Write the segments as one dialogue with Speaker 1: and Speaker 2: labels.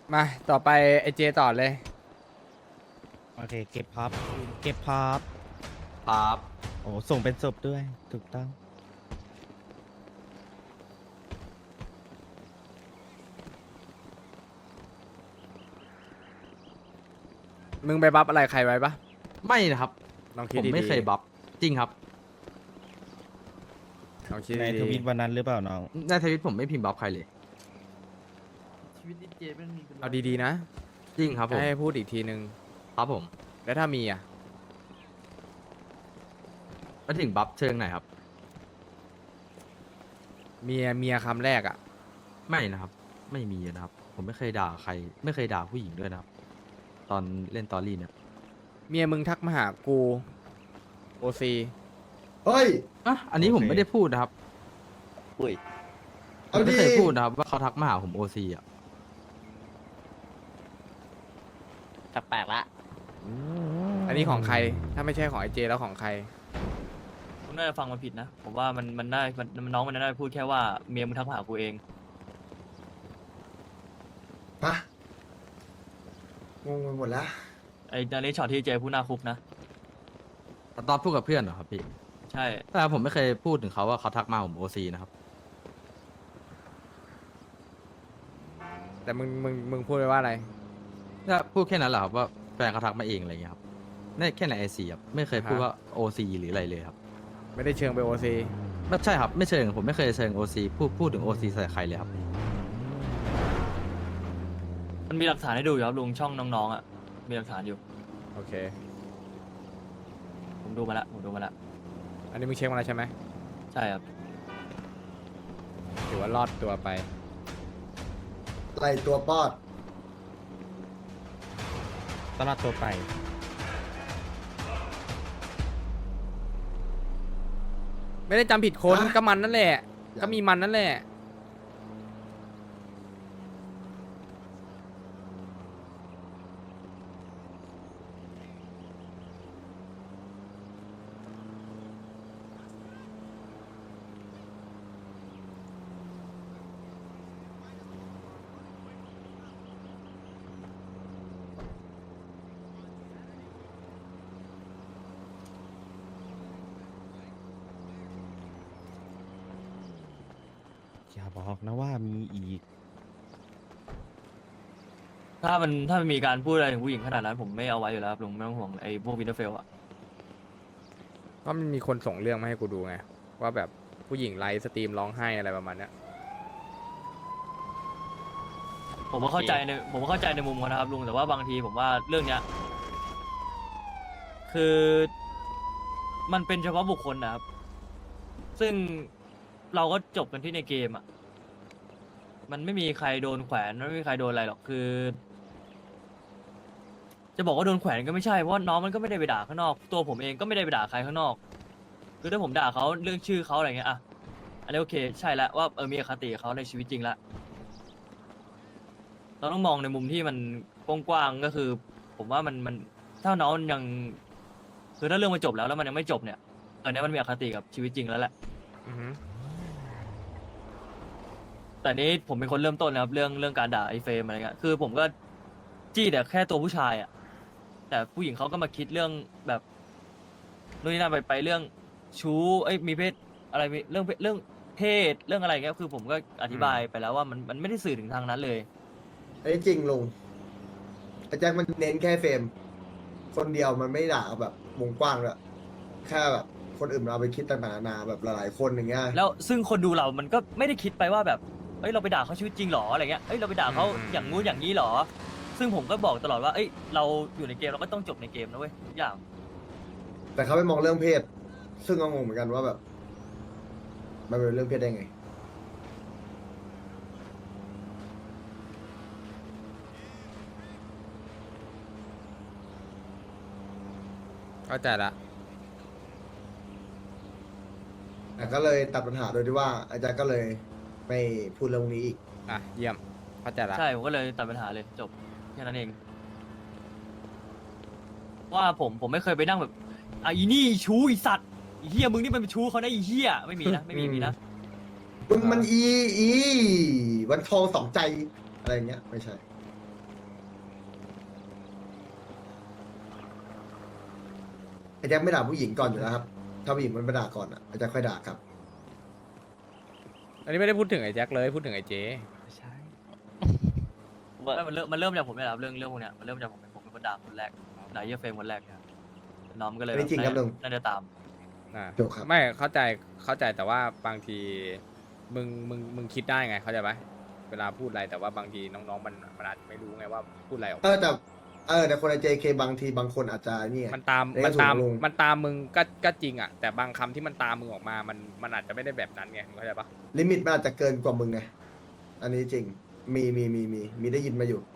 Speaker 1: มาต่อไปไอเจต่อเลย
Speaker 2: โอเคเก็บพับเก็บพับ
Speaker 3: ครับ
Speaker 2: โอ้ส่งเป็นศพด้วยถูกต้อง
Speaker 1: มึงไปบัฟอะไรใครไว้ปะ
Speaker 3: ไม่นะครับ
Speaker 1: ลองคิ
Speaker 3: ผ
Speaker 1: ด
Speaker 3: ม
Speaker 1: ดีๆ
Speaker 3: ไม่เคยบัฟจริงครับ
Speaker 1: ลองคิด
Speaker 2: ในท
Speaker 1: ดี
Speaker 2: วิตวันนั้นหรือเปล่าน้อง
Speaker 3: ในทวิตผมไม่พิมพ์บัฟใครเลย
Speaker 4: ชีวิตดีเจมันมีเป็น
Speaker 1: ๆเอาดีๆนะ
Speaker 3: จริงครับผม
Speaker 1: ให้พูดอีกทีนึง
Speaker 3: ครับผม
Speaker 1: แล้วถ้ามีอ่ะ
Speaker 3: แล้วถึงบัฟเชิงไหนครับ
Speaker 1: เมียคำแรกอ่ะ
Speaker 3: ไม่นะครับ ไม่มีนะครับ ผมไม่เคยด่าใคร ไม่เคยด่าผู้หญิงด้วยนะครับ ตอนเล่นตอรี่เนี่ย
Speaker 1: เมียมึงทักมาหากูโอซี
Speaker 5: เฮ้ย
Speaker 3: อ่ะอันนี้ผม
Speaker 2: โอเค
Speaker 3: ไม่ได้พูดนะครับ
Speaker 6: อุ้ย
Speaker 3: ผ
Speaker 5: เอา
Speaker 3: มไม่
Speaker 5: ดี
Speaker 3: เคยพูดนะครับ ว่าเขาทักมาหาผมโอซีอ่ะ
Speaker 6: แปลกๆละ
Speaker 1: อันนี้ของใคร ถ้าไม่ใช่ของไอเจแล้วของใคร
Speaker 4: ผมน่าจะฟังมาผิดนะ ผมว่ามันน่าน้องมันน่าจะพูดแค่ว่าเมียมึงทักมาหากูเอง
Speaker 5: ปะงงไปหมดแล้ว
Speaker 4: ไอ้นาริช็อตที่เจพูดหน้าคุกนะ
Speaker 3: ตอนพูดกับเพื่อนเหรอครับพี่
Speaker 4: ใช่
Speaker 3: แต่ผมไม่เคยพูดถึงเขาว่าเขาทักมาผมโอซีนะครับ
Speaker 1: แต่มึงพูดไปว่าอะไร
Speaker 3: ก็พูดแค่นั้นแหละครับว่าแฟนเขาทักมาเองอะไรอย่างเงี้ยครับนี่แค่ในไอซีครับ ไม่เคยพูดว่าโอซีหรืออะไรเลยครับ
Speaker 1: ไม่ได้เชิงไปโอซี
Speaker 3: ไม่ใช่ครับ ไม่เชิง ผมไม่เคยเชิงโอซีพูดถึงโอซีใส่ใครเลยครับ
Speaker 4: มันมีหลักฐานให้ดูอยู่ครับลุงช่องน้องๆอ่ะ มีหลักฐานอยู่
Speaker 1: โอเค
Speaker 4: ผมดูมาละผมดูมาละ
Speaker 1: อันนี้มึงเช็คมาแล้วใช่ไหม
Speaker 4: ใช่ครับ
Speaker 1: ถือว่ารอดตัวไป
Speaker 5: ไล่ตัวปอด
Speaker 2: ตลอดตัวไป
Speaker 1: ไม่ได้จำผิดคนก็มันนั่นแหละ ก็มีมันนั่นแหละ
Speaker 2: อย่าบอกนะว่ามีอีก
Speaker 4: ถ้ามันมีการพูดอะไรถึงผู้หญิงขนาดนั้น ผมไม่เอาไว้อยู่แล้วครับลุงไม่ต้องห่วงไอ้พวกวินเทอร์เฟลอ่ะ
Speaker 1: ก็มันมีคนส่งเรื่องมาให้กูดูไง ว่าแบบผู้หญิงไลฟ์สตรีมร้องไห้อะไรประมาณเนี้ย
Speaker 4: ผมก็เข้าใจในมุมเขานะครับลุงแต่ว่าบางทีผมว่าเรื่องเนี้ยคือมันเป็นเฉพาะบุคคลนะครับ ซึ่งเราก็จบกันที่ในเกมอ่ะมันไม่มีใครโดนแขวนไม่มีใครโดนอะไรหรอกคือ จะบอกว่าโดนแขวนก็ไม่ใช่เพราะว่าน้องมันก็ไม่ได้ไปด่าข้างนอกตัวผมเองก็ไม่ได้ไปด่าใครข้างนอก คือถ้าผมด่าเขาเรื่องชื่อเขาอะไรเงี้ยอ่ะอันนี้โอเคใช่แล้วว่ามีอคติกับเขาในชีวิตจริงละ เราต้องมองในมุมที่มันกว้างๆก็คือ ผมว่ามันถ้าน้องยังคือถ้าเรื่องมันจบแล้วมันยังไม่จบเนี่ยตอนนี้มันมีอคติกับชีวิตจริงแล้วแหละ
Speaker 1: อือฮึ
Speaker 4: แต่นี้ผมเป็นคนเริ่มต้นนะครับเรื่องการด่าไอ้เฟรมอะไรเงี้ยคือผมก็จี้แต่แค่ตัวผู้ชายอ่ะแต่ผู้หญิงเขาก็มาคิดเรื่องแบบนู่นนี่นั่นไปเรื่องชู้มีเพศอะไรมีเรื่องเพศเรื่องอะไรเงี้ยคือผมก็อธิบายไปแล้วว่ามันไม่ได้สื่อถึงทางนั้นเลย
Speaker 5: อันนี้จริงลุงไอ้แจ็คมันเน้นแค่เฟรม คนเดียวมันไม่ด่าแบบวงกว้างเลยแค่แบบคนอื่นมันเอาไปคิดต่างๆนานาแบบหลายๆคนอย่างเงี้ย
Speaker 4: แล้วซึ่งคนดูเรามันก็ไม่ได้คิดไปว่าแบบเราไปด่าเขาชีวิตจริงหรออะไรเงี้ยเราไปด่าเขาอย่างงู้นอย่างนี้หรอ ซึ่งผมก็บอกตลอดว่าเราอยู่ในเกมเราก็ต้องจบในเกมนะเว้ยทุกอย่าง
Speaker 5: แต่เขาไปมองเรื่องเพศ ซึ่งก็งงเหมือนกันว่าแบบ มันเป็นเรื่องเพศได้ไง
Speaker 1: เข้าใจละ
Speaker 5: แต่ก็เลยตัดปัญหาโดยที่ว่าอาจารย์ก็เลยไม่พูดเรื่องนี้อีก
Speaker 1: อ่ะ เยี่ยม เข้าใจละ
Speaker 4: ใช่ผมก็เลยตัดปัญหาเลยจบแค่นั้นเอง ว่าผมไม่เคยไปนั่งแบบอีนี่ชู้อีสัตว์อีเฮียมึงนี่มันเป็นชู้เขานะอีเฮียไม่มีนะไม่มีนะ
Speaker 5: มึงมันอีวันทองสองใจอะไรอย่างเงี้ย ไม่ใช่ไอ้แจ็คไม่ด่าผู้หญิงก่อนอยู่แล้วครับถ้าผู้หญิงมันไม่ด่าก่อนอ่ะไอ้แจ็คค่อยด่าครับ
Speaker 1: อันนี้ไม่ได้พูดถึงไอ้แจ็คเลยพูดถึงไอ้เจ
Speaker 4: ไม่มันเริ่มจากผมเนี่ยแหละครับเรื่องพวกเนี้ยมันเริ่มจากผมเป็นคนด่าคนแรกด่าเหี้ยเฟรมคนแรกเนี่ยน้องมันก็เลย
Speaker 5: ไม่จริงครับลุง
Speaker 4: น่าจะตาม
Speaker 5: ถูกครับ
Speaker 1: ไม่เข้าใจแต่ว่าบางทีมึงคิดได้ไงเข้าใจปะเวลาพูดอะไรแต่ว่าบางทีน้องๆมันอาจจะไม่รู้ไงว่าพูดอะไรออกมา
Speaker 5: แต่คนใน JK บางทีบางคนอาจจะนี่ไง
Speaker 1: มันตาม
Speaker 5: เรียกถูกลุง
Speaker 1: มันตามมึงก็จริงอ่ะแต่บางคำที่มันตามมึงออกมามันอาจจะไม่ได้แบบนั้นไงเข้าใจปะ
Speaker 5: ลิมิตมันอาจจะเกินกว่ามึงไงอันนี้จริงมีได้ยินมาอยู่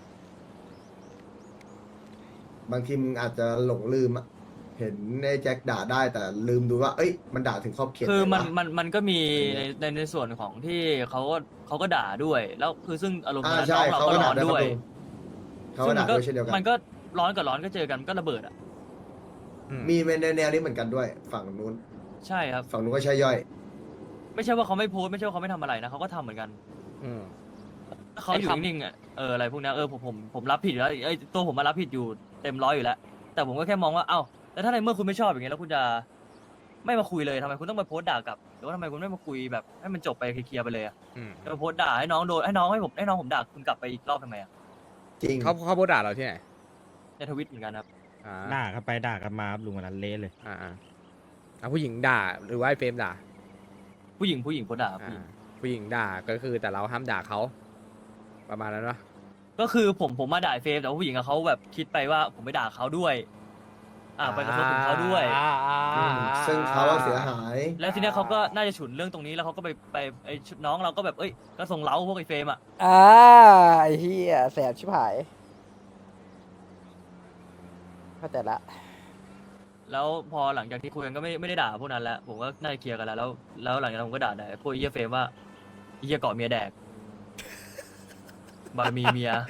Speaker 5: บางทีมึงอาจจะหลงลืมอะเห็นไอ้แจ็คด่าได้แต่ลืมดูว่า เอ้ยมันด่าถึงขอบเขต
Speaker 4: คือ
Speaker 5: ไหวะ
Speaker 4: มันก็มีในส่วนของที่เขาก็ด่าด้วย แล้วคือซึ่งอารมณ์
Speaker 5: อ่า
Speaker 4: นั้น
Speaker 5: ใช่
Speaker 4: น้องเรา
Speaker 5: เขา
Speaker 4: ก็
Speaker 5: ก็
Speaker 4: ร้
Speaker 5: ด่า
Speaker 4: อน
Speaker 5: ด้วย
Speaker 4: ด้วย
Speaker 5: เขาก็ด่าด้วยเช่นเดียวกัน
Speaker 4: มันก็ร้อนกับร้อนก็เจอกันก็ระเบิดอ่ะ
Speaker 5: มีในแนวนี้เหมือนกันด้วย ฝั่งนู้น
Speaker 4: ใช่ครับ
Speaker 5: ฝั่งนู้นก็ใช่ย่อย
Speaker 4: ไม่ใช่ว่าเขาไม่โพสต์ไม่ใช่ว่าเขาไม่ทำอะไรนะเขาก็ทำเหมือนกัน
Speaker 1: อืม
Speaker 4: ถ้าเขาอยู่นิ่งๆอ่ะอะไรพวกเนี้ยผมรับผิดอยู่แล้วตัวผมมารับผิดอยู่เต็มร้อยอยู่แล้ว แต่ผมก็แค่มองว่าเอ้าแล้วถ้าในเมื่อคุณไม่ชอบอย่างเงี้ยแล้วคุณจะไม่มาคุยเลยทำไมคุณต้องมาโพสต์ด่ากลับหรือว่าทำไมคุณไม่มาคุยแบบให้มันจบไปเคลียร์ๆไปเลยอ่ะ
Speaker 1: อืม
Speaker 4: จะมาโพสต์ด่าให้น้องโดนให้น้องผมด่าคุณกลับไปอีกรอบทำไมอ่ะ
Speaker 5: จริง
Speaker 1: เขาโพสต์ด่าเราที่ไหน
Speaker 4: ในทวิตเหมือนกันครับ
Speaker 1: อ่า
Speaker 2: ด่ากันไปด่ากันมาครับลุงวันนั้นเละเลย
Speaker 1: ผู้หญิงด่าหรือว่าไอ้เฟรมด่า
Speaker 4: ผู้หญิงโพสต์ด่าครับผู้หญิง
Speaker 1: ผู้หญิงด่าก็คือแต่เราห้ามด่าเขาประมาณนั้นปะ
Speaker 4: ก็คือผมมาด่าเฟรมแต่ว่าผู้หญิงอะเขาแบบคิดไปว่าผมไปด่าเขาด้วยไปกระทบถึงเขาด้วย
Speaker 5: ซึ่งเขาอะเสียหาย
Speaker 4: แล้วทีเนี้ยเขาก็น่าจะฉุนเรื่องตรงนี้แล้วเขาก็ไปไอ้น้องเราก็แบบก็ส่งเล้าพวกไอ้เฟรมอะ
Speaker 7: ไอ้เหี้ยแสบชิบหายเข้าใจละ
Speaker 4: แล้วพอหลังจากที่คุยกันก็ไม่ได้ด่าพวกนั้นแล้วผมก็น่าจะเคลียร์กันแล้วหลังจากนั้นผมก็ด่าพวกไอ้เหี้ยเฟรมว่าไอ้เหี้ยเกาะเมียแดกบารมีเมีย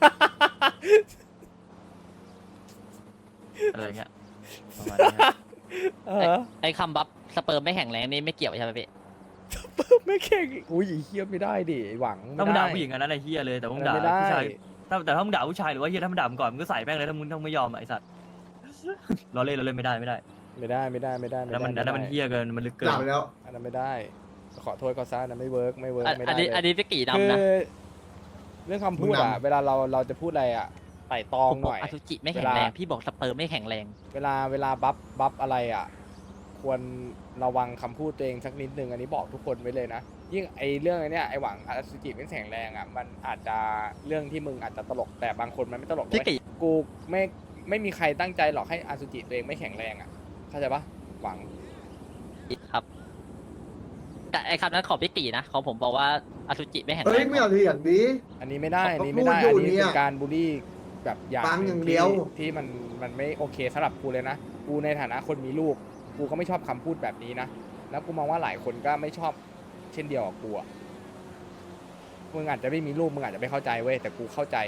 Speaker 4: อะไรเงี้ยประมาณนี้ครับ
Speaker 6: ไอ้คำบัฟสเปิร์มไม่แข็งแรงนี่ไม่เกี่ยวใช่ไหมพี่
Speaker 1: ไม่เข่งอุ้ยเฮียไม่ได้ดิหวัง
Speaker 4: ถ้ามึงด่า
Speaker 1: ไ
Speaker 4: ผู้หญิงอันนั้นไอ้เหี้ยเลยแต่มึงด่า
Speaker 1: ไม่ได้
Speaker 4: ผู้ชายแต่ถ้ามึงด่าผู้ชายหรือว่าเหี้ยถ้ามึงด่ามึงก่อนมึงก็ใส่แม่งเลยถ้ามึงไม่ยอมอะไอ้สัตว์เราเล่นไม่ได้
Speaker 1: ไม่ได้ไม่ได้ไม่ได้
Speaker 4: แล้วมันเหี้ยเกินมันลึกเกิน
Speaker 5: ด่าไปแล้ว
Speaker 1: อันนั้นไม่ได้ ขอโทษเขาซะนะไม่เวิร์กไม่ได้
Speaker 6: อันนี้
Speaker 1: เลย
Speaker 6: อันนี้พี่กี่
Speaker 1: คื
Speaker 6: นำนะ
Speaker 1: อเรื่องคำพูดอะ
Speaker 5: มึงนำ
Speaker 1: เวลาเราจะพูดอะไรอะไต่ตอง
Speaker 6: ผมบ
Speaker 1: ห
Speaker 6: อก
Speaker 1: น่อย
Speaker 6: อสุจิไม่แข็งแรง พี่บอกสเปิร์มไม่แข็งแรง
Speaker 1: เวลาบัฟอะไรอ่ะ ควรระวังคำพูดตัวเองสักนิดนึงอันนี้บอกทุกคนไว้เลยนะยิ่งไอเรื่องไอเนี้ยไอหวังอสุจิไม่แข็งแรงอ่ะมันอาจจะเรื่องที่มึงอาจจะตลกแต่บางคนมันไม่ตลก
Speaker 6: พี่
Speaker 1: เว้ย
Speaker 6: กี่
Speaker 1: กูไม่มีใครตั้งใจหรอกให้อสุจิตัวเองไม่แข็งแรงอ่ะเข้าใจปะหวัง
Speaker 6: ครับแต่ไอ้คำนั้นของพี่กี่นะของผมบอกว่าอสุจิไม่แข็ง
Speaker 5: เฮ้
Speaker 6: แร
Speaker 5: ย
Speaker 6: ง
Speaker 5: ไม่เอาทีอย่างนี้
Speaker 1: อันนี้ไม่ได้
Speaker 5: เขา
Speaker 1: อันนี้ไม่ได้
Speaker 5: พูดอยู่
Speaker 1: อันนี้
Speaker 5: เนี่
Speaker 1: เป็
Speaker 5: ย
Speaker 1: นการบูลลี่แบบอย่าง
Speaker 5: ฟัง
Speaker 1: ห
Speaker 5: อ
Speaker 1: นึ่
Speaker 5: ย่างเดียว
Speaker 1: ที่มันไม่โอเคสำหรับกูเลยนะกูในฐานะคนมีลูกกูก็ไม่ชอบคำพูดแบบนี้นะแล้วกูมองว่าหลายคนก็ไม่ชอบเช่นเดียวกับกูอะมึงอาจจะไม่มีลูกมึงอาจจะไม่เข้าใจเว้ยแต่กูเข้าใจ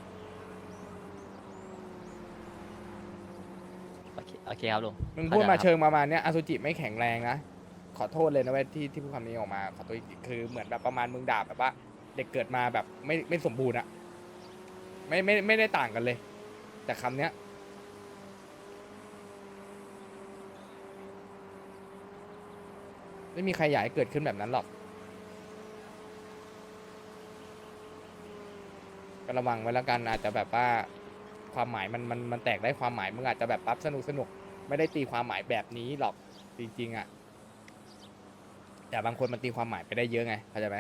Speaker 6: โอเคครับลุง
Speaker 1: มึงพูดมา
Speaker 6: เข้ใจ
Speaker 1: เชิงประมาณเนี้ยอสุจิไม่แข็งแรงนะขอโทษเลยนะเว้ยที่พูดคำนี้ออกมาขอโทษอีกทีคือเหมือนแบบประมาณมึงด่าแบบว่า เด็กเกิดมาแบบไม่สมบูรณ์อะไม่ได้ต่างกันเลย แต่คำเนี้ยไม่มีใครอยากให้เกิดขึ้นแบบนั้นหรอกก็ระวังไว้แล้วกันอาจจะแบบว่าความหมายมันแตกได้ความหมายมึงอาจจะแบบปั๊บสนุกไม่ได้ตีความหมายแบบนี้หรอกจริงๆอะแต่บางคนมันตีความหมายไปได้เยอะไงเข้าใจไหม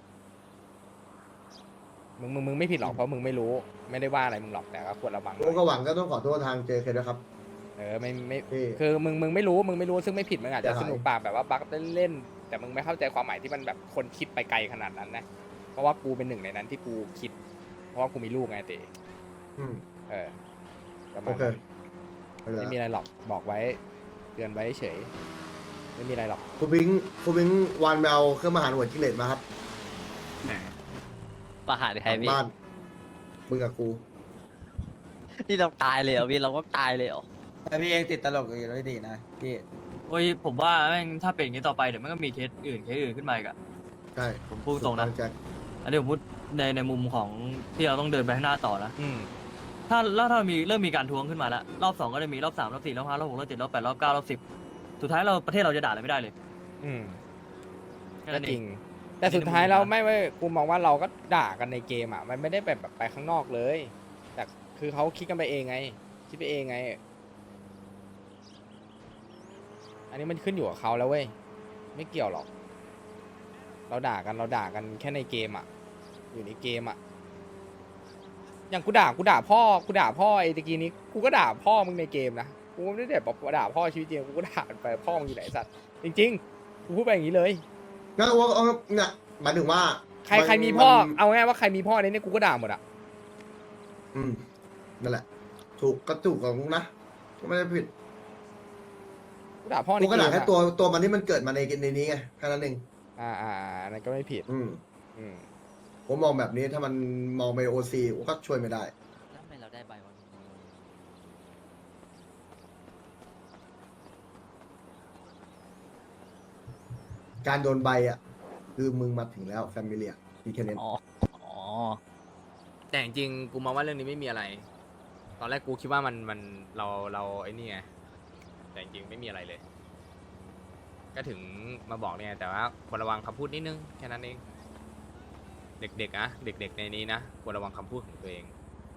Speaker 1: มึงไม่ผิดหรอกเพราะมึงไม่รู้ไม่ได้ว่าอะไรมึงหรอกแต่ก็ควรระวังหน่
Speaker 5: โอ้
Speaker 1: อย
Speaker 5: ก็หวังก็ต้องขอโทษทาง JK ด้วยครับ
Speaker 1: ไม่
Speaker 5: พี่
Speaker 1: คือมึงไม่รู้ซึ่งไม่ผิดมึงอาจจะ
Speaker 5: จะหาย
Speaker 1: สนุกปากแบบว่าบักเล่นๆแต่มึงไม่เข้าใจความหมายที่มันแบบคนคิดไปไกลขนาดนั้นนะเพราะว่ากูเป็นหนึ่งในนั้นที่กูคิด เพราะว่ากูมีลูกไงเต๋
Speaker 5: อืม
Speaker 1: ประมา
Speaker 5: โอ
Speaker 1: ณ
Speaker 5: เค
Speaker 1: นั้น
Speaker 5: ไม่เป็นไร
Speaker 1: ไม่มีอะไรหรอกบอกไว้เตือนไว้เฉยไม่มีอะไรหรอก
Speaker 5: ครูพิงค์วันไปเอาเครื่องมาหารหัวจิ้งเหลนมาครับ
Speaker 6: ประหารใคร
Speaker 5: หลัง
Speaker 6: พี่
Speaker 5: บ้านมึงกับกู
Speaker 6: นี่เราตายเลยเหรอพี่เราก็ตายเลยเหรอ
Speaker 7: แต่พี่เองติดตลกอยู่แล้วดีนะพี่
Speaker 4: โอ้ยผมว่าแม่งถ้าเป็นอย่างนี้ต่อไปเดี๋ยวมันก็มีเคสอื่นขึ้นมาอีกอะ
Speaker 5: ใช่
Speaker 4: ผมพูดตรงนะ
Speaker 5: แจ็ค
Speaker 4: อันนี้ผมพูดในมุมของที่เราต้องเดินไปข้างหน้าต่อนะ
Speaker 1: อืม
Speaker 4: ถ้ามีเริ่มมีการทวงขึ้นมาแล้วรอบ 2ก็จะมีรอบ 3รอบ 4รอบ 5รอบ 6รอบ 7รอบ 8รอบ 9รอบ 10สุดท้ายประเทศเราจะด่าอะไรไม่ได้เลย
Speaker 1: อืม
Speaker 4: แค่
Speaker 1: ก็
Speaker 4: นั้น
Speaker 1: จ
Speaker 4: เอ
Speaker 1: ริ
Speaker 4: ง
Speaker 1: ง แต่สุดท้ายเราไม่กูมองว่าเราก็ด่ากันในเกมอ่ะ มันไม่ได้แบบไปข้างนอกเลย แต่คือเขาคิดกันไปเองไง คิดไปเองไง อันนี้มันขึ้นอยู่กับเขาแล้วเว้ย ไม่เกี่ยวหรอก เราด่ากันแค่ในเกมอ่ะ อยู่ในเกมอ่ะ อย่างกูด่าพ่อไอ้ตะกี้นี้ กูก็ด่าพ่อมึงในเกมนะ กูไม่ได้แบบด่าพ่อชีวิตจริง กูก็ด่ามันไปพ่อมึงอยู่ไหนสัตว์ จริงๆ กูพูดไปอย่างนี้เลย
Speaker 5: งั้นว่าเนี่ยหมายถึงว่า
Speaker 1: ใครมีพ่อ
Speaker 5: มัน
Speaker 1: เอาง่ายว่าใครมีพ่อในนี้กูก็ด่าหมดอ่ะ
Speaker 5: อืมนั่นแหละ ถูกก็ถูกของมึงนะก็ไม่ได้ผิด
Speaker 1: กูด่าพ่อใน
Speaker 5: กู
Speaker 1: เก
Speaker 5: ก็ด่าม แค่
Speaker 1: อะ
Speaker 5: ตัวมันที่มันเกิดมาในนี้ไงแค่นั้นเอง
Speaker 1: อันนั้นก็ไม่ผิด อืม
Speaker 5: ผมมองแบบนี้ถ้ามันมองไปโอซีก็ช่วยไม่ได้
Speaker 6: แล้วทำไมเราได้ใบวะ
Speaker 5: การโดนใบอ่ะ คือมึงมาถึงแล้วแฟมิเลียมีแค่นี้
Speaker 6: อ๋อ อ๋อ
Speaker 1: แต่จริงๆกูมองว่าเรื่องนี้ไม่มีอะไร ตอนแรกกูคิดว่ามันเราไอ้นี่ไง แต่จริงๆไม่มีอะไรเลย ก็ถึงมาบอกเนี่ย แต่ว่าควรระวังคำพูดนิดนึงแค่นั้นเอง เด็กๆนะเด็กๆในนี้นะควรระวังคำพูดของตัวเอง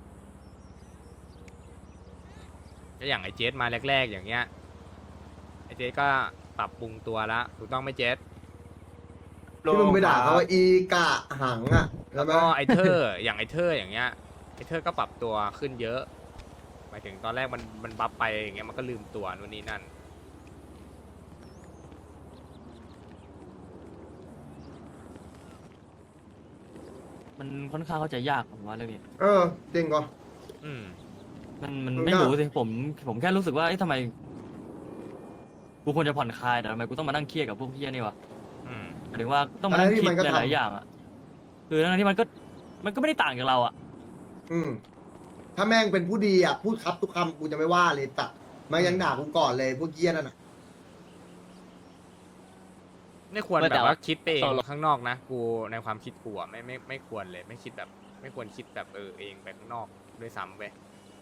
Speaker 1: ก็อย่างไอ้เจสมาแรกๆอย่างเงี้ย ไอ้เจสก็ปรับปรุงตัวแล้วถูกต้องไหมเจส
Speaker 5: ที่มึงไปด่าเขาว่าอีกะหังอ่ะ
Speaker 1: แล้
Speaker 5: ใช่
Speaker 1: ว
Speaker 5: ไหม
Speaker 1: ก็ไอ้เธอ อย่างไอ้เธออย่างเงี้ย ไอ้เธอก็ปรับตัวขึ้นเยอะ หมายถึงตอนแรกมันบัฟไปอย่างเงี้ยมันก็ลืมตัวนู่นนี่นั่น
Speaker 4: มันค่อนข้างเข้าใจยากผมว่าเรื่องนี้
Speaker 5: เออจริงก็
Speaker 1: อืม
Speaker 4: มัน
Speaker 5: มัน
Speaker 4: ไม่
Speaker 5: ยาก
Speaker 4: รู้สิผมแค่รู้สึกว่าเอ๊ะทำไมกูควรจะผ่อนคลายแต่ทำไมกูต้องมานั่งเครียดกับพวกเฮียนี่วะ
Speaker 1: อืม
Speaker 4: หมายถึงว่าต้องมานั่งคิดหลายๆอย่างอ่ะคือทั้งที่มันก็ไม่ได้ต่างจากเราอ่ะ
Speaker 5: อืมถ้าแม่งเป็นผู้ดีอ่ะ พูดครับทุกคำกูจะไม่ว่าเลยตัดมันยังด่ากูก่อนเลยพวกเกี้ยนั่นน่ะ
Speaker 1: ไม่ควร
Speaker 6: ไม่
Speaker 1: แบ
Speaker 6: แต่
Speaker 1: บ
Speaker 6: ว่า
Speaker 1: ว่าคิดไปเอง
Speaker 6: เรา
Speaker 1: ข้างนอกนะ กูในความคิดกูอะไม่ควรเลย ไม่คิดแบบ ไม่ควรคิดแบบเองไปข้างนอกด้วยซ้ำไป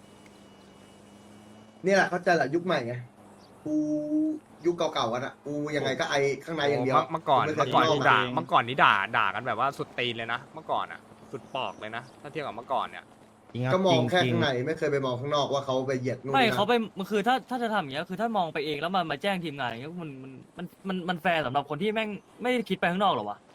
Speaker 5: นี่แหละเข้าใจแหละยุคใหม่ไง กูยุคเก่าๆกันอ่ะ กูยังไงก็ไอข้างในอย่างเดียว
Speaker 1: เมื่อก่อน
Speaker 5: ไม่เคย
Speaker 1: เมื่อก่อน
Speaker 5: ข้าง
Speaker 1: นี่
Speaker 5: ก
Speaker 1: ด่า
Speaker 5: อะ
Speaker 1: เมื่อก่อนนี่ด่ากันแบบว่าสุดตีนเลยนะ เมื่อก่อนอ่ะ สุดปอกเลยนะ ถ้าเทียบกับเมื่อก่อนเนี่ย
Speaker 2: จริงครับ
Speaker 5: ก็มอง
Speaker 2: จริ
Speaker 5: แค่
Speaker 2: จริ
Speaker 5: ข้างในไม่เคยไปมองข้างนอกว่าเขาไปเหยียดนู่น
Speaker 4: ไม่
Speaker 5: นี่นั่น
Speaker 4: เขาไปมันคือถ้าจะทำอย่างเงี้ยคือถ้ามองไปเองแล้วมาแจ้งทีมงานอย่างเงี้ยมันแฟร์สำหรับคนที่แม่งไม่ได้คิดไปข้างนอกหรอวะ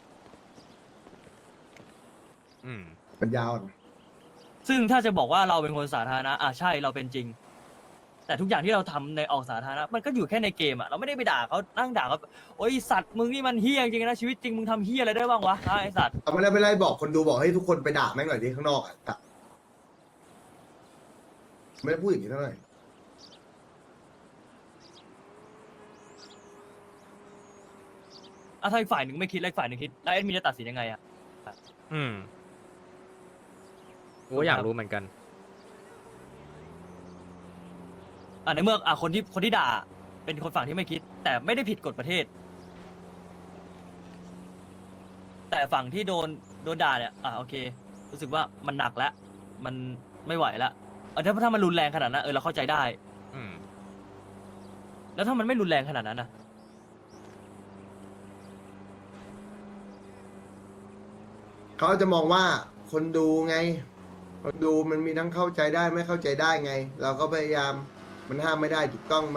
Speaker 1: อืม
Speaker 5: ปัญญาอ่อน
Speaker 4: ซึ่งถ้าจะบอกว่าเราเป็นคนสาธารณะใช่เราเป็นจริง แต่ทุกอย่างที่เราทำในออกสาธารณะมันก็อยู่แค่ในเกมอ่ะเราไม่ได้ไปด่าเขานั่งด่าเขาโอ้ยสัตว์มึงนี่มันเฮี้ยจริงๆนะชีวิตจริงมึงทำเฮี้ยอะไรได้บ้างวะไอสัตว์
Speaker 5: เอาไม่ได้บอกคนดูบอกให้ทุกคนไปด่าแม่งหน่อยดิข้างนอกอ่ะแต่ไม่ได้พูดอย่างนี้เท่าไหร่
Speaker 4: ถ้าอีกฝ่ายหนึ่งไม่คิดแล้วอีกฝ่ายหนึ่งคิดแล้วแอดมินจะตัดสินยังไงอ่ะ
Speaker 1: อืมกูก็อยากรู้เหมือนกัน
Speaker 4: ในเมื่อคนที่ด่าเป็นคนฝั่งที่ไม่คิด แต่ไม่ได้ผิดกฎประเทศ แต่ฝั่งที่โดนด่าเนี่ยโอเค รู้สึกว่ามันหนักแล้วมันไม่ไหวแล้วถ้ามันรุนแรงขนาดนั้นเราเข้าใจได้
Speaker 1: อืม
Speaker 4: แล้วถ้ามันไม่รุนแรงขนาดนั้นนะ
Speaker 5: เขาจะมองว่าคนดูไง คนดูมันมีทั้งเข้าใจได้ไม่เข้าใจได้ไง เราก็พยายามมันห้ามไม่ได้ถูกต้องไหม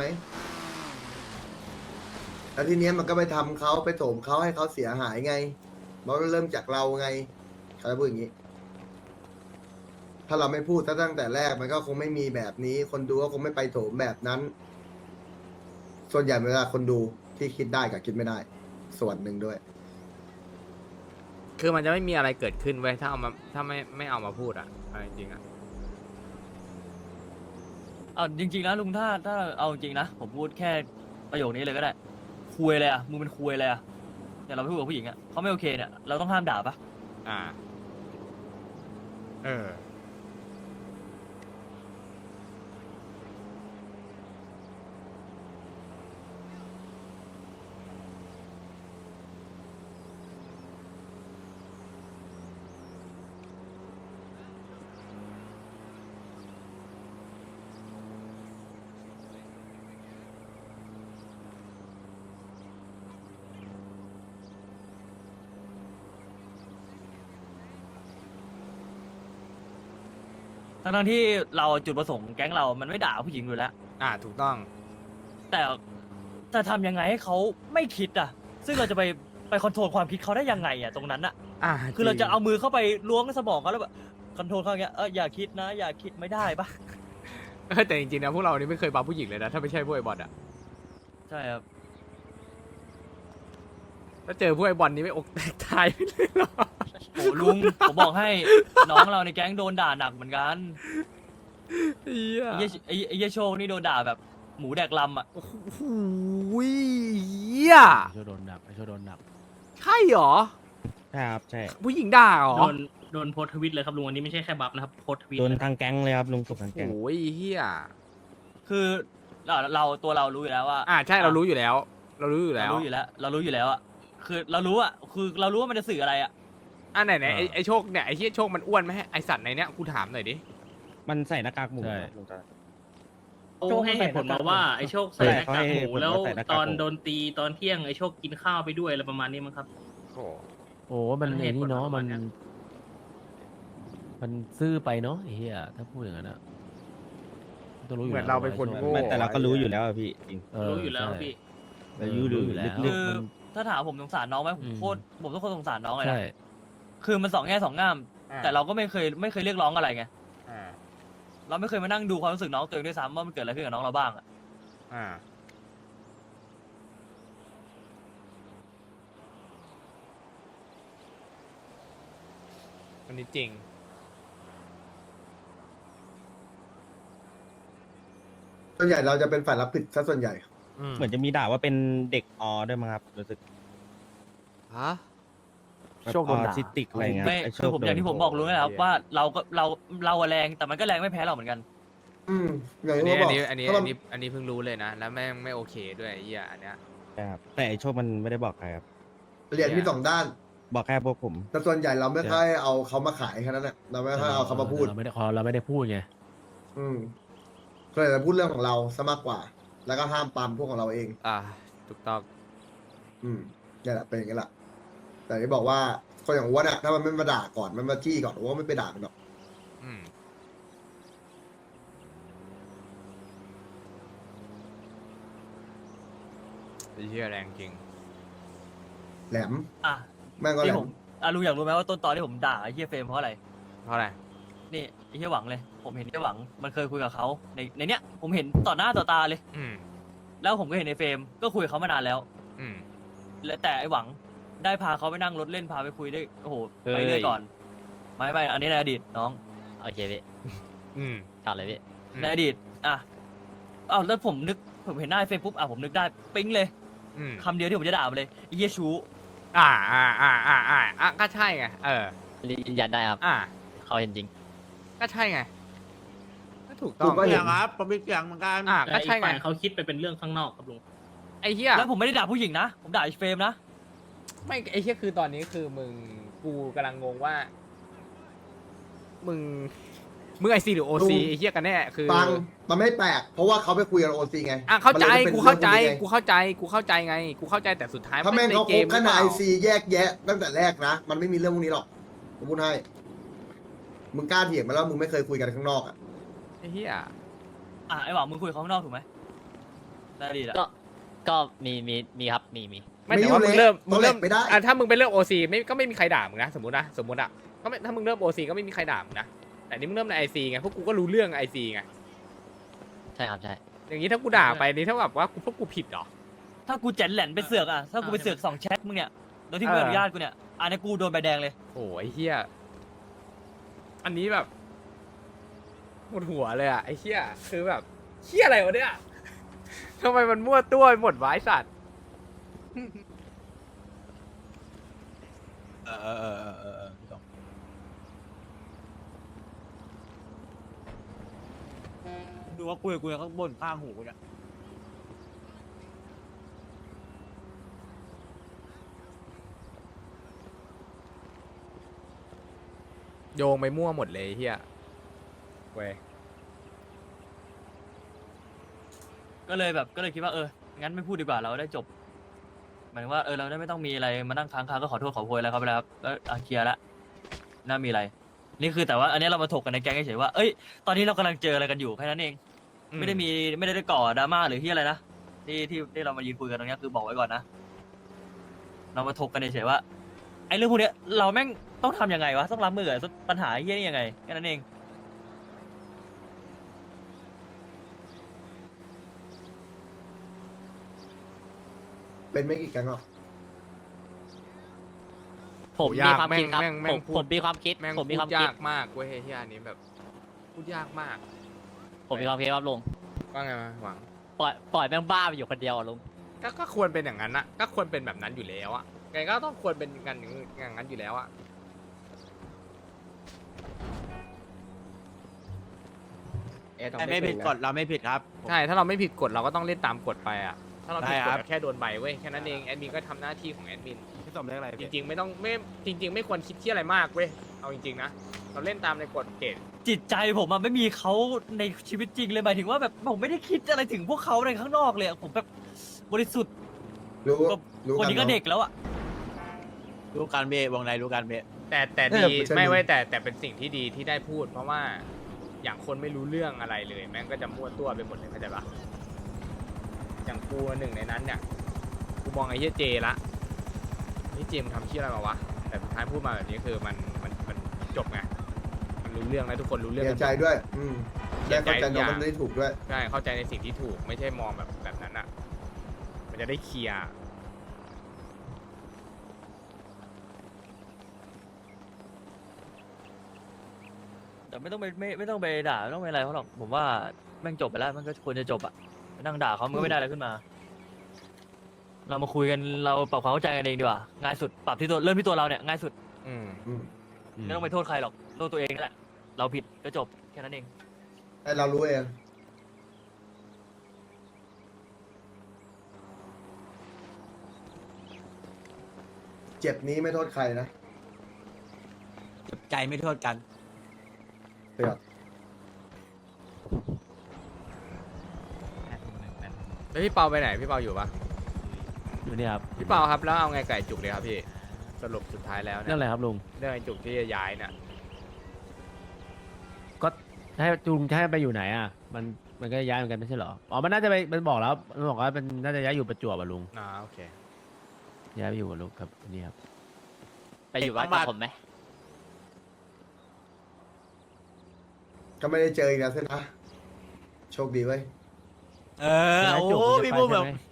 Speaker 5: แล้วทีเนี้ยมันก็ไปทำเขาไปโถมเขาให้เขาเสียหายไงมันก็เริ่มจากเราไงเขาจะพูดอย่างนี้ ถ้าเราไม่พูดตั้งแต่แรกมันก็คงไม่มีแบบนี้ คนดูก็คงไม่ไปโถมแบบนั้น ส่วนใหญ่เวลาคนดูที่คิดได้กับคิดไม่ได้ ส่วนหนึ่งด้วย
Speaker 1: คือมันจะไม่มีอะไรเกิดขึ้นเว้ยถ้าเอามาถ้าไม่เอามาพูดอ่ะเอาจริงๆอ่ะ
Speaker 4: จริงๆนะลุงถ้าเอาจริงนะผมพูดแค่ประโยคนี้เลยก็ได้คุยเลยมึงเป็นคุยเลยเนี่ยเราไปพูดกับผู้หญิงเขาไม่โอเคเนี่ยเราต้องห้ามด่าปะ
Speaker 1: อ่า เออ
Speaker 4: ทั้งที่เราจุดประสงค์แก๊งเรามันไม่ด่าผู้หญิงอยู่แล้ว
Speaker 1: ถูกต้อง
Speaker 4: แต่จะทำยังไงให้เขาไม่คิดอ่ะ ซึ่งเราจะไปคอนโทรลความคิดเขาได้ยังไงอ่ะตรงนั้นอ่ะ คือเราจะเอามือเข้าไปล้วงสมองเขาแล้วแบบคอนโทรลเขาอย่างเงี้ยอย่าคิดนะ อย่าคิดไม่ได้ปะ
Speaker 1: แต่จริงๆนะพวกเรานี่ไม่เคยบัฟผู้หญิงเลยนะถ้าไม่ใช่พวกไอ้บอลอะ
Speaker 4: ใช่ครับ
Speaker 1: ถ้าเจอพวกไอ้บอลนี่ไม่อกแตกตายไปเลยหรอ
Speaker 4: โอ้ลุง ผมบอกให้น้องเราในแก๊งโดนด่าหนักเหมือนกัน
Speaker 1: เฮีย
Speaker 4: ไอ้เหี้ยโชคนี่โดนด่าแบบหมูแดกลำอ่ะ
Speaker 1: โอ้โหเฮีย
Speaker 2: ไอโชว์โดนหนักไอโชว์โดนหนัก
Speaker 1: ใช่เหรอ
Speaker 2: ใช่ครับใช่
Speaker 1: ผู้หญิงด่าเหรอ
Speaker 8: โดนโพสต์ทวิตเลยครับลุงอันนี้ไม่ใช่แค่บัฟนะครับโพสต์ทวิต
Speaker 2: โดน
Speaker 8: เลย
Speaker 2: ทางแก๊งเลยครับลุงสุกทางแก๊ง
Speaker 1: โอ้ยเฮีย
Speaker 4: คือตัวเรารู้อยู่แล้วว่า
Speaker 1: ใช่เรารู้อยู่แล้ว เรารู้อยู่แล้ว
Speaker 4: เรารู้อยู่แล้วอ่ะคือเรารู้ว่ามันจะสื่ออะไรอ่ะ
Speaker 1: ไหนไอ้โชคเนี่ยไอ้เฮียโชคมันอ้วนไหมไอ้สัตว์ในเนี้ยกูถามหน่อยดิ
Speaker 2: มันใส่หน้ากากหมู
Speaker 8: ใช่
Speaker 2: ครับลุงตา
Speaker 8: โอ้ให้เหตุผลมาว่าไอโชคใส่หน้ากากหมู
Speaker 2: ใช่
Speaker 8: แล้ว
Speaker 2: เขาให้เหตุผลว่าใส่หน้ากาก
Speaker 8: ตอน
Speaker 2: หมู
Speaker 8: โดนตีตอนเที่ยงไอโชคกินข้าวไปด้วยอะไรประมาณนี้มั้งครับ
Speaker 1: โอ้
Speaker 9: โอ้มัน
Speaker 8: มัน
Speaker 9: ไอ้นี่เนาะ
Speaker 8: เหตุผลประ
Speaker 9: มั
Speaker 8: มาน ณเนี้ย
Speaker 9: มันซื่อไปเนาะไอ้เหี้ยถ้าพูดอย่างนั้นอะต้องรู้อยู่
Speaker 1: เหมือน
Speaker 9: แล้ว
Speaker 1: เราเป็นคน
Speaker 9: ว่า
Speaker 1: โง่
Speaker 2: ไม่แต่เราก็รู้อยู่แล้วอะพี่จริง
Speaker 8: รู้อยู่แล้ว
Speaker 9: ใช่
Speaker 8: พี่
Speaker 2: เรารู้อยู่
Speaker 9: แล้
Speaker 2: แล้ว ว
Speaker 4: คือ
Speaker 9: มัน
Speaker 4: ถ้าถามผมสงสารน้องไหมผม
Speaker 9: อืม
Speaker 4: โคตรผมต้องโคตรสงสารน้องเลย
Speaker 9: ใช่
Speaker 4: นะคือมันสองแง่สองงาม แต่เราก็ไม่เคยเรียกร้องอะไรไง เราไม่เคยมานั่งดูความรู้สึกน้องตัวเองด้วยซ้ำว่ามันเกิดอะไรขึ้นกับน้องเราบ้างอะ
Speaker 1: อันนี้จริง
Speaker 5: ส่วนใหญ่เราจะเป็นฝ่ายรับผิดซะส่วนใหญ่
Speaker 2: เหมือนจะมีด่าว่าเป็นเด็กอด้วยมั้งครับรู้สึก
Speaker 1: ฮะ
Speaker 2: โชคออทิสติกอะไรเงี้ย
Speaker 4: ไม่
Speaker 2: ไโช
Speaker 4: คือผมอย่างที่ผมบอกรู้นะครับ
Speaker 1: โอ้ย
Speaker 4: ว่าเราอะแรงแต่มันก็แรงไม่แพ้เราเหมือนกัน
Speaker 5: อย่าง
Speaker 1: อัน
Speaker 5: ที่
Speaker 1: นี้
Speaker 5: เขา
Speaker 1: อั
Speaker 5: บ
Speaker 1: น
Speaker 5: อก
Speaker 1: นี้
Speaker 5: ถ้ามัน
Speaker 1: อันนี้เพิ่งรู้เลยนะ แล้วแม่งไม่โอเคด้วยไอ้เหี้ยอันเนี้ย
Speaker 2: ครับแต่ไอโชคมันไม่ได้บอกใครครับ
Speaker 5: เหรียญมีสองด้าน
Speaker 2: บอกแค่พวกผม
Speaker 5: แต่ส่วนใหญ่เราไม่ค่อยเอาเขามาขายแค่นั้นแหละเราไม่ค่อยเอาเขามาพูด
Speaker 9: เราไม่ได้พูดไง
Speaker 5: ก็เลยจะพูดเรื่องของเราซะมากกว่า แล้วก็ห้ามปรามพวกของเราเอง
Speaker 1: ถูกต้อง
Speaker 5: นี่แหละเป็นอย่างนี้แหละแต่ที่บอกว่าคนอย่างอ้วนอะถ้ามันไม่มาด่าก่อนมันมาจี้ก่อนอ้วนไม่ไปด่ามันหรอก
Speaker 1: อืมไอ้เหี้ยแรงจริง
Speaker 5: แหลม
Speaker 4: อ่ะ
Speaker 5: แม่งก็แหล
Speaker 4: ที่ผม มลุงอยากรู้ไหมว่าต้นตอนที่ผมด่าไอ้เฮียเฟรมเพราะอะไร
Speaker 1: เพราะอะไร
Speaker 4: นี่ไอ้เฮียหวังเลย ผมเห็นไอ้หวังมันเคยคุยกับเขาในเนี้ยผมเห็นต่อหน้าต่อตาเลย
Speaker 1: อืม
Speaker 4: แล้วผมก็เห็นในเฟรมก็คุยกับเขามานานแล้ว
Speaker 1: อืม
Speaker 4: และแต่ไอ้หวังได้พาเขาไปนั่งรถเล่นพาไปคุยได้โอ้โห
Speaker 1: เฮ้ย
Speaker 4: ไปเรื่อยก่อนไม่อันนี้ในอดีตน้อง
Speaker 6: โอเคพี่
Speaker 1: อืม
Speaker 6: ขาดเลยพี่
Speaker 4: ในอดีตอ่ะอ้าวแล้วผมเห็นหน้าไอ้เฟรมปุ๊บผมนึกได้ปิ๊งเลย
Speaker 1: อืม
Speaker 4: คำเดียวที่ผมจะด่ามันเลยไอ้เฮียชู้
Speaker 1: ก็ใช่ไง
Speaker 6: ยืนยันได้ครับ เขาเห็นจริง
Speaker 1: ก็ใช่ไง ก็ถูกต้
Speaker 5: ถู
Speaker 1: อง
Speaker 5: กก็เห็น
Speaker 2: ครับผมมีเสียงเหมือนกัน
Speaker 8: แต่
Speaker 1: ก็
Speaker 8: อี
Speaker 1: ใช่
Speaker 8: ก
Speaker 1: ไง
Speaker 8: ฝ่ายเขาคิดไปเป็นเรื่องข้างนอกครับลุง
Speaker 1: ไอ้เหี้ย
Speaker 4: แล้วผมไม่ได้ด่าผู้หญิงนะ ผมด่าไอ้เฟรมนะ
Speaker 1: ไม่ไอ้เหี้ยคือตอนนี้คือกูกำลังงงว่า มึงไอซีหรือโอซี
Speaker 5: ลุง
Speaker 1: ไอ้เหี้ยกันแน่คือ
Speaker 5: ฟังมันไม่แปลก เพราะว่าเขาไปคุยกับโอซีไง
Speaker 1: เข้าใจ
Speaker 5: มันลย
Speaker 1: กู
Speaker 5: ป็น
Speaker 1: เข้าใจ
Speaker 5: รื่อง
Speaker 1: กูเข้าใจกูเข้าใจไงกูเข้าใจแต่สุดท้าย
Speaker 5: ถ้าแม่งเขา
Speaker 1: ใน
Speaker 5: คบกันใน
Speaker 1: ห
Speaker 5: ไอ
Speaker 1: รือเปล่า
Speaker 5: ซีแยกแยะ ตั้งแต่แรกนะ มันไม่มีเรื่องพวกนี้หรอกผมพูดให้มึงกล้าเถียงมาแล้วมึงไม่เคยคุยกันข้างนอกอ่ะ
Speaker 1: ไอ้เหี้ย
Speaker 4: ไอ้หวังมึงคุยกับเขาข้างนอกถูกไหมในอดีตอะ
Speaker 6: ก็มีครับมี
Speaker 1: ไม่แต่ว่ามึงเริ่ม
Speaker 5: ต้องแหลกไปได้
Speaker 1: ถ้ามึงไปเริ่มโอซีก็ไม่มีใครด่ามึงนะสมมติอ่ะก็ไม่ถ้ามึงเริ่มโอซีก็ไม่มีใครด่ามึงนะแต่นี่มึงเริ่มในไอซีไงพวกกูก็รู้เรื่องไอซีไง
Speaker 6: ใช่ครับใช่
Speaker 1: อย่างนี้ถ้ากูด่าไปนี่เท่ากับว่าพวกกูผิดเหรอ
Speaker 4: ถ้ากูเจ๋นแหลนไปเสือกอะถ้ากูไปเสือก2 แชทมึงเนี่ยโดยที่ไม่อนุญาตกูเนี่ยอันนี้กูโดนใบแดงเลย
Speaker 1: โอ้ยเฮียอันนี้แบบหมดหัวเลยอ่ะไอ้เฮียคือแบบเฮียอะไรวะเนี่ยทำไมมันมั่วตัวไปหมดวะไอ้สัตว์
Speaker 2: ดูว่าคุยกับกูข้างบนข้างหูเนี่ย
Speaker 1: โยงไปมั่วหมดเลยไอ้เฮียเว้ย
Speaker 4: ก็เลยคิดว่างั้นไม่พูดดีกว่าเราได้จบหมายถึงว่าเราได้ไม่ต้องมีอะไรมานั่งค้างคาก็ขอโทษขอโพยแล้วครับแล้วก็เคลียร์ละน่ามีอะไรนี่คือแต่ว่าอันนี้เรามาถกกันในแก๊งเฉยๆว่าเอ้ยตอนนี้เรากำลังเจออะไรกันอยู่แค่นั้นเอง ไม่ได้ก่อดราม่าหรือที่อะไรนะที่เรามายืนคุยกันตรงเนี้ยคือบอกไว้ก่อนนะเรามาถกกันเฉยๆว่าไอ้เรื่องพวกเนี้ยเราแม่งต้องทำยังไงวะต้องรับมือกับปัญหาเฮี้ยนี่ยังไงแค่นั้นเอง
Speaker 5: เป็นไม่กี่แก๊งหรอก
Speaker 6: ผมมีความคิดครับ
Speaker 1: แม่ง
Speaker 6: ผมมีความคิด
Speaker 1: แม่ง
Speaker 6: ผม
Speaker 1: พู
Speaker 6: มี
Speaker 1: ด
Speaker 6: ความคิด
Speaker 1: ยากมากเว้ยที่อันนี้แบบพูดยากมาก
Speaker 6: ผมมีความคิดครับลุง
Speaker 1: ว่าไงมาหวัง
Speaker 6: ปล่อยแม่งบ้าไปอยู่คนเดียวอะลุง
Speaker 1: ก็ควรเป็นอย่างนั้นนะก็ควรเป็นแบบนั้นอยู่แล้วอะไงก็ต้องควรเป็นกันอย่างนั้นอยู่แล้วอะ
Speaker 7: ไม่ผิดกฎเราไม่ผิดครับ
Speaker 1: ใช่ถ้าเราไม่ผิดกฎเราก็ต้องเล่นตามกฎไปอะถ้าเราผิดก
Speaker 7: ได้
Speaker 1: ฎ
Speaker 7: ครับ
Speaker 1: ก็แค่โดนใบเว้ยแค่นั้นเองแอดมินก็ทำหน้าที่ของแอดมิน
Speaker 7: พี่สมเรียกอะไร
Speaker 1: จริงๆไม่ต้องไม่จริง ๆ ไม่ควรคิดที่อะไรมากเว้ยเอาจริงๆนะเราเล่นตามในกฎเกณฑ์
Speaker 4: จิตใจผมอะไม่มีเขาในชีวิตจริงเลยหมายถึงว่าแบบผมไม่ได้คิดอะไรถึงพวกเขาในข้างนอกเลยอะผมแบบบริสุทธิ์
Speaker 5: รู้
Speaker 4: ก็
Speaker 5: รู้
Speaker 4: คน
Speaker 5: กัน
Speaker 4: นี้ก็
Speaker 5: เนาะ
Speaker 4: เด็กแล้วอะ
Speaker 7: รู้การเบะวงในรู้การเบะ
Speaker 1: แต่
Speaker 5: เอ
Speaker 1: ดี
Speaker 5: อใช่
Speaker 1: ไม่เว้ยแต่เป็นสิ่งที่ดีที่ได้พูด เพราะว่าอย่างคนไม่รู้เรื่องอะไรเลย แม่งก็จะมั่วตัวไปหมดเลยเข้าใจปะอย่างกูหนึ่งในนั้นเนี่ยกูมองไอ้เหี้ยเจละนี่เจมงทำเหี้ยอะไรมาวะแต่สุดท้ายพูดมาแบบนี้คือมันจบไงมันรู้เรื่องแล้วทุกคนรู้เรื่อง
Speaker 5: เสี
Speaker 1: กั
Speaker 5: ย
Speaker 1: น
Speaker 5: ใจด้วย
Speaker 1: เสี
Speaker 5: ได้
Speaker 1: ยใจ
Speaker 5: เข้าใจ
Speaker 1: ทุกอย่าง
Speaker 5: น้องมันได้ถูกด้วย
Speaker 1: ใช่เข้าใจในสิ่งที่ถูกไม่ใช่มองแบบนั้นอ่ะมันจะได้เคลียร์
Speaker 4: แต่ไม่ต้องไปด่าไม่ต้องไปอะไรเขาหรอกผมว่าแม่งจบไปแล้วมันก็ควรจะจบอะไปนั่งด่าเขามันก็ไม่ได้อะไรขึ้นมา เรามาคุยกันเราปรับความเข้าใจกันเองดีกว่าง่ายสุดปรับที่ตัวเริ่มที่ตัวเราเนี่ยง่ายสุด
Speaker 1: อืม
Speaker 4: ไม่ต้องไปโทษใครหรอกโทษตัวเองนั่นแหละเราผิดก็จบแค่นั้นเอง
Speaker 5: ให้เรารู้เอง เจ็บนี้ไม่โทษใครนะ
Speaker 7: ใจไม่โทษกัน
Speaker 5: เปรียบ
Speaker 1: แล้วพี่เปาไปไหนพี่เปาอยู่ปะ
Speaker 9: อยู่เนี่ยครับ
Speaker 1: พี่เปาครับแล้วเอาไงไก่จุกเลยครับพี่สรุปสุดท้ายแล้วเนี่
Speaker 9: เรื่อย งอะไรครับลุง
Speaker 1: เรื่องไอ้จุกที่จะย้ายเนี่ย
Speaker 9: ก็ให้จุงจะให้ไปอยู่ไหนอ่ะ มันก็ย้ายเหมือนกันไม่ใช่เหรอ อ๋อ มันน่าจะไป มันบอกแล้ว มันบอกว่ามันน่าจะย้ายอยู่ประจวบอ่ะลุง
Speaker 1: โอเค
Speaker 9: ย้ายไปอยู่กับลุงครับนี่ครับ
Speaker 6: ไปอยู่บ้านกับผมไหม
Speaker 5: ก็ไม่ได้เจออีกแล้วใช่ไหมโชคดีเว้ย
Speaker 7: โอ้พี่พูดแบบ